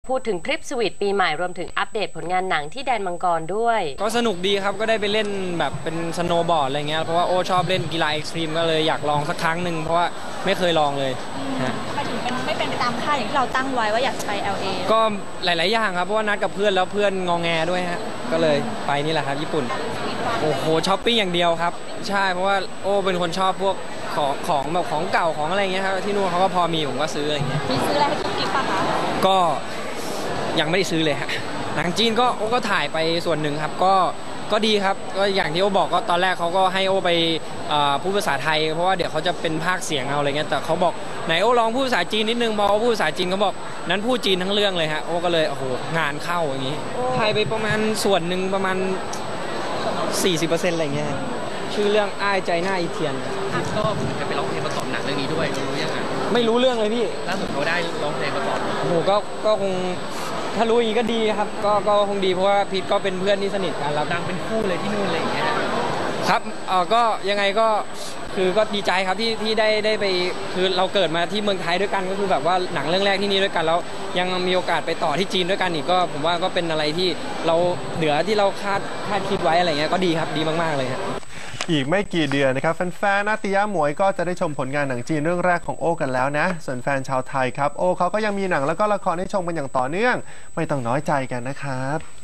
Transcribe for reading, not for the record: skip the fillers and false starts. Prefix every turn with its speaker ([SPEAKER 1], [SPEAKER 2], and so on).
[SPEAKER 1] พูดถึงทริปสวีทปีใหม่รวมถึงอัปเดตผลงานหนังที่แดนมังกรด้วย
[SPEAKER 2] ก็สนุกดีครับก็ได้ไปเล่นแบบเป็นสโนว์บอร์ดอะไรเงี้ยเพราะว่าโอชอบเล่นกีฬาเอ็กซ์ตรีมก็เลยอยากลองสักครั้งหนึ่งเพราะว่าไม่เคยลองเลย
[SPEAKER 3] ทำไมถึงไม่เป็นไปตามคาดอย่างที่เราตั้งไว้ว่าอยากจะไป LA
[SPEAKER 2] ก็หลายๆอย่างครับเพราะว่านัดกับเพื่อนแล้วเพื่อนงอแงด้วยฮะก็เลยไปนี่แหละครับญี่ปุ่นโอ้โหช้อปปิ้งอย่างเดียวครับใช่เพราะว่าโอเป็นคนชอบพวกของแบบของเก่าของอะไรเงี้ยครับที่นู่นเขาก็พอมีผมก็ซื้ออะไรเงี้ย
[SPEAKER 3] มีซื้ออะไรให้กิ๊กป่ะคะ
[SPEAKER 2] ก็ยังไม่ได้ซื้อเลยฮะหนังจีนก็โอก็ถ่ายไปส่วนหนึ่งครับก็ดีครับก็อย่างที่โอบอกก็ตอนแรกเขาก็ให้โอไปพูดภาษาไทยเพราะว่าเดี๋ยวเขาจะเป็นภาคเสียงเอาอะไรเงี้ยแต่เขาบอกไหนโอลองพูดภาษาจีนนิดนึงพอพูดภาษาจีนเขาบอกนั้นพูดจีนทั้งเรื่องเลยฮะโอก็เลยโอ้โหงานเข้าอย่างนี้ถ่ายไปประมาณส่วนหนึ่งประมาณ 40% อะไรเงี้ยชื่อเรื่องอ้ายใจหน้าอีเทียน
[SPEAKER 4] ก็จะไปร้องเพลงประกอบหนังเรื่องนี้ด้วยรู้ยังไง
[SPEAKER 2] ไม่รู้เรื่องเลยพี่
[SPEAKER 4] ล่าสุดเขาได้ร้องเพลงประกอบ
[SPEAKER 2] โอ้โหก็คงถ้ารู้อย่างนี้ก็ดีครับก็คงดีเพราะว่าพีทก็เป็นเพื่อนที่สนิทกันแล้ว
[SPEAKER 4] ดังเป็นคู่เลยที่นู่นอะไรอย่างเงี้ย
[SPEAKER 2] ครับก็ยังไงก็คือก็ดีใจครับที่ได้ไปคือเราเกิดมาที่เมืองไทยด้วยกันก็คือแบบว่าหนังเรื่องแรกที่นี่ด้วยกันแล้วยังมีโอกาสไปต่อที่จีนด้วยกันอีกก็ผมว่าก็เป็นอะไรที่เราเหนือที่เราคาดคิดไว้อะไรเงี้ยก็ดีครับดีมากๆเลยครับ
[SPEAKER 5] อีกไม่กี่เดือนนะครับแฟนๆนาติยะหมวยก็จะได้ชมผลงานหนังจีนเรื่องแรกของโอ้กันแล้วนะส่วนแฟนชาวไทยครับโอ้เขาก็ยังมีหนังแล้วก็ละครให้ชมกันอย่างต่อเนื่องไม่ต้องน้อยใจกันนะครับ